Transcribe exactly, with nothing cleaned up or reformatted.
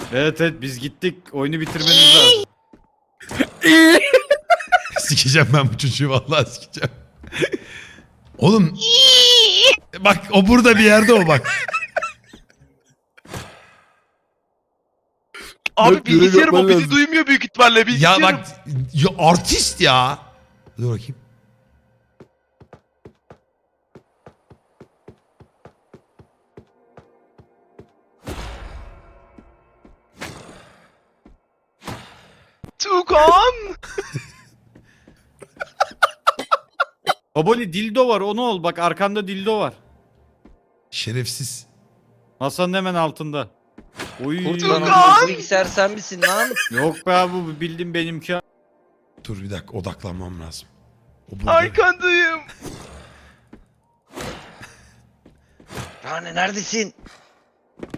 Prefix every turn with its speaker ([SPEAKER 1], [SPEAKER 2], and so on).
[SPEAKER 1] Evet evet biz gittik. Oyunu bitirmeniz lazım.
[SPEAKER 2] Sikeceğim ben bu çocuğu vallahi sikeceğim. Oğlum. Bak o burada bir yerde o bak.
[SPEAKER 3] Abi
[SPEAKER 4] Bak, görev
[SPEAKER 3] bilgisayarım o
[SPEAKER 4] yapman
[SPEAKER 3] bizi
[SPEAKER 4] lazım.
[SPEAKER 3] duymuyor büyük ihtimalle
[SPEAKER 2] Ya
[SPEAKER 3] bilgisayarım.
[SPEAKER 2] bak ya artist ya. Dur bakayım.
[SPEAKER 3] Tukan.
[SPEAKER 1] Baboli dildo var onu ol. Bak arkanda dildo var.
[SPEAKER 2] Şerefsiz.
[SPEAKER 1] Masanın hemen altında. Oy.
[SPEAKER 5] Kurtulan
[SPEAKER 3] Tugan!
[SPEAKER 5] o bilgisayar sen misin lan?
[SPEAKER 1] Yok be abi bu bildim benimki.
[SPEAKER 2] Dur bir dakika odaklanmam lazım. O burada.
[SPEAKER 3] Arkandayım.
[SPEAKER 5] Rane neredesin?